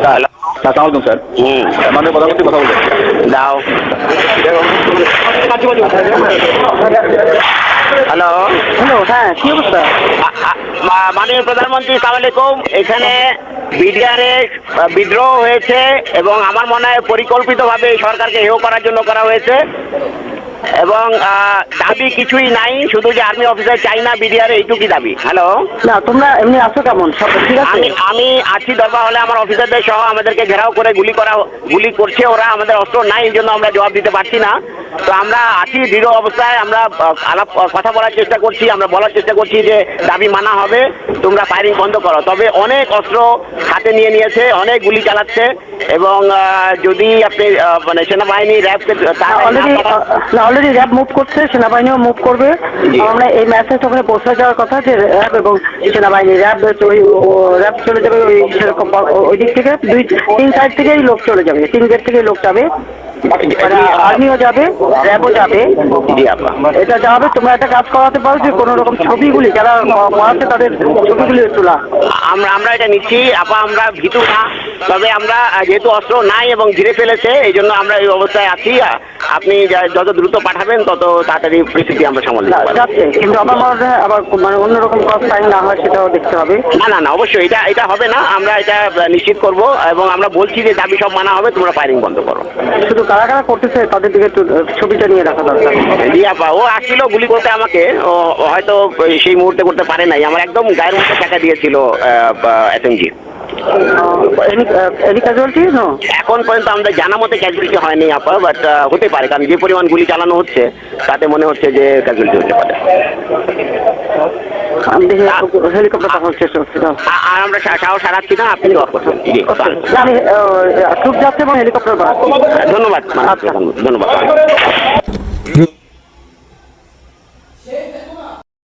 Hello. আসসালামাইকুম sir. মাননীয় প্রধানমন্ত্রী কথা বলবেন। দাও। হ্যালো। হ্যালো, হ্যাঁ কি অবস্থা? মাননীয় প্রধানমন্ত্রী সালাম আলাইকুম। এখানে বিডিআরে বিদ্রোহ হয়েছে এবং আমার মনে হয় পরিকল্পিতভাবে এই সরকারকে হেয় করার জন্য করা হয়েছে এবং দাবি কিছুই নাই, শুধু যে আর্মি অফিসার চাই না বিডিআর, এইটুকুই দাবি। হ্যালো। না তোমরা এমনি আছো কেমন, সব ঠিক আছে? আমি আছি দরবার হলে, আমার অফিসারদের সহ আমাদেরকে ঘেরাও করে গুলি করছে ওরা। আমাদের অস্ত্র নাই, এই জন্য আমরা জবাব দিতে পারছি না। তো আমরা আছি দৃঢ় অবস্থায়, আমরা কথা বলার চেষ্টা করছি, আমরা বলার চেষ্টা করছি যে দাবি মানা হবে, তোমরা ফায়ারিং বন্ধ করো। তবে অনেক অস্ত্র হাতে নিয়েছে, অনেক গুলি চালাচ্ছে এবং যদি আপনি মানে সেনাবাহিনী র্যাবকে অলরেডি র্যাব মুভ করছে, সেনাবাহিনীও মুভ করবে। আমরা এই মেসেজ ওখানে পৌঁছে যাওয়ার কথা যে র্যাব এবং সেনাবাহিনী র্যাব চলে যাবে ওই সেরকম ওই দিক থেকে 2-3 সাইড থেকেই লোক চলে যাবে, 3 গেট থেকেই লোক যাবে, আর্মিও যাবে, র্যাবও যাবে। এটা যাবে। তোমরা একটা কাজ করাতে পারো যে কোনো রকম ছবিগুলি যারা মারাচ্ছে তাদের ছবিগুলি তোলা। আমরা এটা নিচ্ছি আপা, আমরা ভীতু না। তবে আমরা যেহেতু অস্ত্র নাই এবং ঘিরে ফেলেছে, এই জন্য আমরা এই অবস্থায় আছি। আপনি যত দ্রুত পাঠাবেন তত তাড়াতাড়ি পরিস্থিতি আমরা সামাল যাচ্ছে, কিন্তু আমার মনে হয় আবার মানে অন্যরকম ক্রস ফায়ারিং না হয় সেটাও দেখতে হবে। না অবশ্যই এটা হবে না, আমরা এটা নিশ্চিত করব এবং আমরা বলছি যে দাবি সব মানা হবে, তোমরা ফায়ারিং বন্ধ করো। শুধু কারা কারা করতেছে তাদের দিকে একটু ছবিটা নিয়ে রাখা দরকার। জি আপা, ও আসছিল গুলি করতে আমাকে, ও হয়তো সেই মুহূর্তে করতে পারে নাই। আমার একদম গায়ের মধ্যে টাকা দিয়েছিল এসএমজি। এখন পর্যন্ত আমাদের জানা মতে ক্যাজুয়ালিটি হয়নি আপা, বাট হতে পারে, কারণ যে পরিমাণ গুলি চালানো হচ্ছে তাতে মনে হচ্ছে যে ক্যাজুয়ালিটি হতে পারে। আর আমরা সাহস হারাচ্ছি না, আপনি দোয়া করছেন। জি আমি ট্রুপ যাচ্ছে এবং হেলিকপ্টার। ধন্যবাদ, ধন্যবাদ।